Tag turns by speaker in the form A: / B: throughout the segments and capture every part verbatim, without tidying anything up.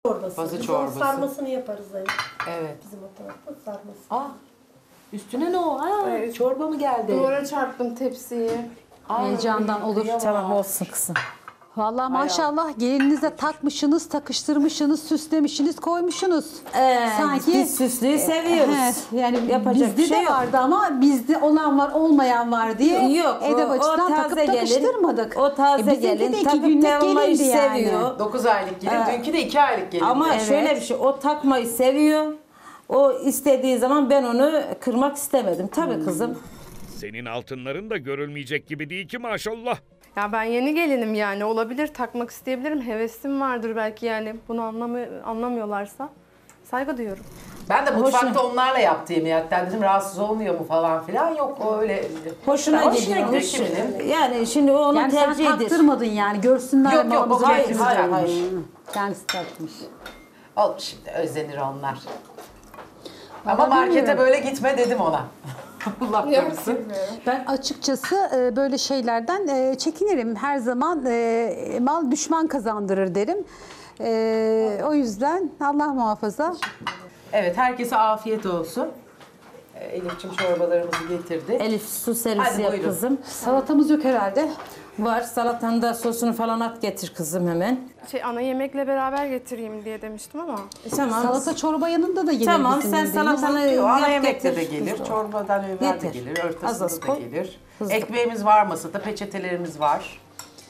A: çorbası.
B: Pazı
A: Biz
B: çorbası.
A: onun sarmasını yaparız yani.
B: Evet.
A: Bizim o tarafta sarması.
B: Aa, üstüne ne o? Aa,
C: Evet.
B: çorba mı geldi?
C: Duvara çarptım tepsiyi.
B: Aa,
D: Heyecandan olur.
E: Tamam olsun kızım.
D: Vallahi maşallah gelininize takmışsınız, takıştırmışsınız, süslemişsiniz, koymuşsunuz.
E: Ee,
D: Sanki
E: biz süslüyü seviyoruz.
D: He, yani
E: Yapacak
D: bizde
E: bir şey
D: de
E: yok.
D: vardı ama bizde olan var, olmayan var diye
E: Yok, o-
D: edep
E: o
D: açıdan
E: taze
D: takıp
E: gelin,
D: takıştırmadık.
E: o taze
D: bizimki
E: gelin,
D: de iki
E: takıp
D: günlük
E: takmayı
D: gelindi yani.
E: seviyor.
B: dokuz aylık gelin, dünkü de iki aylık gelin.
E: Ama
D: Evet.
E: şöyle bir şey, o takmayı seviyor. O istediği zaman ben onu kırmak istemedim. Tabii kızım.
F: Senin altınların da görülmeyecek gibi değil ki maşallah.
C: Ya ben yeni gelinim yani olabilir takmak isteyebilirim. Hevesim vardır belki yani bunu anlamı anlamıyorlarsa saygı duyuyorum.
B: Ben de mutfakta
E: Hoşuna-
B: onlarla yaptı yemeği, hatta dedim rahatsız olmuyor mu falan filan. Yok, o öyle.
E: Hoşuna
B: Hoşuna
E: gidiyor.
B: gidiyor
E: hoş-
B: kiminin.
E: Yani şimdi o onun
D: Yani sen
E: tercihidir.
D: taktırmadın yani görsünler
B: Yok, yok,
D: malımızı
B: hayır,
D: bekleriz
B: hayır,
D: yani.
B: hayır.
D: Hı, kendisi takmış.
B: Olmuş şimdi, özlenir onlar. Ama
D: Vallahi
B: markete
D: bilmiyorum.
B: böyle gitme dedim ona. Allah korusun.
D: Ben açıkçası e, böyle şeylerden e, çekinirim. Her zaman e, mal düşman kazandırır derim. E, o yüzden Allah muhafaza.
B: Evet, herkese afiyet olsun. Ee, Elif'ciğim çorbalarımızı getirdi.
E: Elif su servisi
B: Hadi
E: yap
B: buyurun.
E: kızım.
D: Salatamız yok herhalde.
E: Var, salatanın da sosunu falan at getir kızım hemen.
C: Şey ana yemekle beraber getireyim diye demiştim ama.
E: E, tamam.
D: Salata çorba yanında da gelir
E: Tamam,
D: bizim
E: sen
D: bildiğimiz.
E: salatanı
B: Yo, ana
E: yap
B: yemekte
E: getir.
B: de gelir, çorbadan evvel de
E: Getir.
B: gelir,
E: Az az
B: ortasında da
E: koy.
B: gelir.
E: Hızlı.
B: Ekmeğimiz var masada, peçetelerimiz var.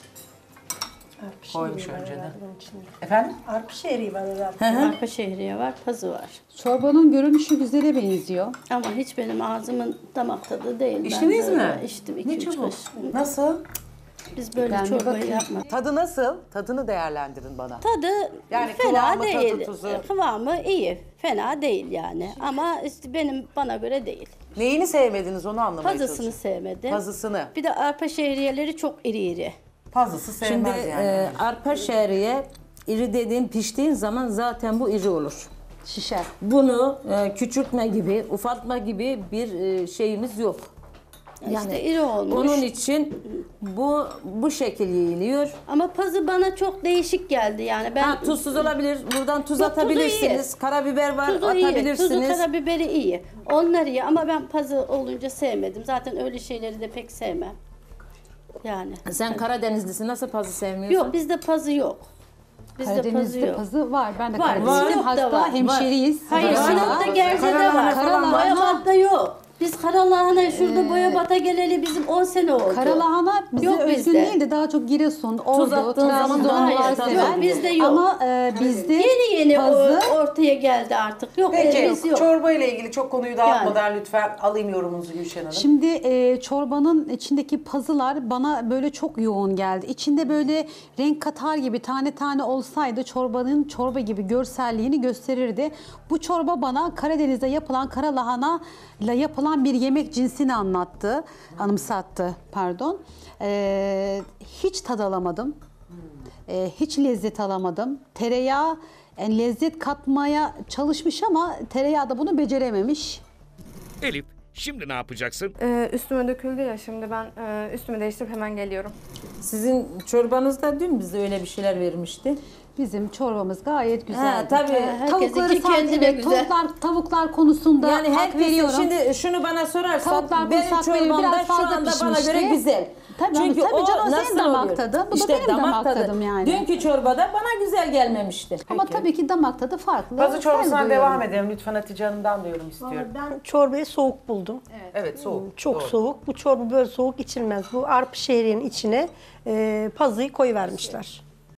B: Koymuş
A: Şehriye var
B: önceden.
A: herhalde bunun içinde.
B: Efendim?
A: Arpa şehriye var herhalde.
G: Arpa şehriye var, pazı var.
D: Çorbanın görünüşü güzele benziyor.
G: Ama hiç benim ağzımın damak tadı değil. Ben
B: İçtiniz
G: böyle
B: mi?
G: İçtim
B: Ne
G: iki üç
B: çabuk.
G: kaşık.
B: Nasıl?
G: Biz böyle
D: Ben bir
G: çorbayı
D: bakayım.
G: yapmadık.
B: Tadı nasıl? Tadını değerlendirin bana.
G: Tadı
B: Yani
G: fena
B: kıvamı, tadı,
G: değil.
B: tuzu.
G: Kıvamı iyi. Fena değil yani. Ama işte benim bana göre değil.
B: Neyini sevmediniz onu anlamaya
G: Pazısını
B: çalışıyorum.
G: sevmedim.
B: Pazısını.
G: Bir de arpa şehriyeleri çok iri iri.
B: Pazısı
E: Şimdi
B: sevmez yani.
E: e, arpa şehriye iri dediğin piştiğin zaman zaten bu iri olur.
D: Şişer.
E: Bunu e, küçültme gibi, ufaltma gibi bir e, şeyimiz yok.
G: işte iri olmuş.
E: Onun için bu bu şekil yiyiliyor.
G: Ama pazı bana çok değişik geldi yani. Ben
E: Ha, tuzsuz olabilir. Buradan tuz
G: Yok, tuzu
E: atabilirsiniz. Karabiber var,
G: Tuzu iyi,
E: atabilirsiniz.
G: tuzu karabiberi iyi. Onlar iyi ama ben pazı olunca sevmedim. Zaten öyle şeyleri de pek sevmem. Yani.
E: Sen Karadenizlisin, nasıl pazı sevmiyorsun?
G: Yok bizde pazı yok. Bizde pazı
D: Karadeniz'de
G: yok.
D: pazı var. Ben de
G: Var,
D: Karadenizliyim.
G: Sinop'ta
D: Hatta
G: var.
D: hemşeriyiz.
G: Hayır
E: Var.
G: Sinop'ta Gerze'de
E: Karalahana
G: var.
E: falan var.
G: Boyabat'ta yok. Biz Karalahana şurada Boyabat'a geleli bizim on sene oldu.
D: Karalahana bize
G: Yok
D: özgün
G: bizde.
D: değil de daha çok Giresun, Ordu,
E: attığın zaman
D: Trabzonlular
G: hayır,
D: sever.
G: yok, bizde yok.
D: Ama e, bizde
G: Yeni yeni
D: pazı
G: o, ortaya geldi artık. Yok
B: Peki,
G: biz yok.
B: çorba ile ilgili çok konuyu dağıtmadan lütfen alayım yorumunuzu Gülşen Hanım.
D: Şimdi e, çorbanın içindeki pazılar bana böyle çok yoğun geldi. İçinde böyle renk katar gibi tane tane olsaydı çorbanın çorba gibi görselliğini gösterirdi. Bu çorba bana Karadeniz'de yapılan kara lahana ile yapılan bir yemek cinsini anlattı, anımsattı pardon. E, hiç tad alamadım. E, hiç lezzet alamadım. Tereyağı yani lezzet katmaya çalışmış ama tereyağı da bunu becerememiş.
F: Elif, şimdi ne yapacaksın?
C: Ee, üstüme döküldü ya şimdi ben e, üstümü değiştirip hemen geliyorum.
E: Sizin çorbanızda dün bize öyle bir şeyler vermişti.
D: Bizim çorbamız gayet güzel.
E: Ha, tabii.
D: Tavukları
G: Herkesinki
D: sadece
G: kendine
D: evet,
G: güzel.
D: tavuklar, tavuklar konusunda
E: Yani
D: hak
E: herkesin
D: veriyorum.
E: şimdi şunu bana sorarsan
D: Tavuklar
E: benim
D: konusunda hak veriyorum.
E: çorbam da
D: Biraz
E: şu
D: fazla
E: anda bana
D: pişmişti.
E: göre güzel.
D: Tabii,
E: Çünkü
D: tabii
E: o
D: canım, senin
E: nasıl
D: damak
E: oluyor?
D: tadın, bu da
E: işte
D: benim damak tadım yani.
E: Dünkü çorbada bana güzel gelmemişti.
D: Ama tabii ki damak tadı farklı.
B: Pazı çorbasından
D: Saygı
B: devam
D: duyuyorum.
B: edelim. Lütfen Hatice Hanım'dan da yorum istiyorum.
A: Vallahi ben çorbayı soğuk buldum.
B: Evet, soğuk.
A: Çok
B: Doğru.
A: soğuk. Bu çorba böyle soğuk içilmez. Bu arpa şehriyenin içine e, pazıyı koyuvermişler.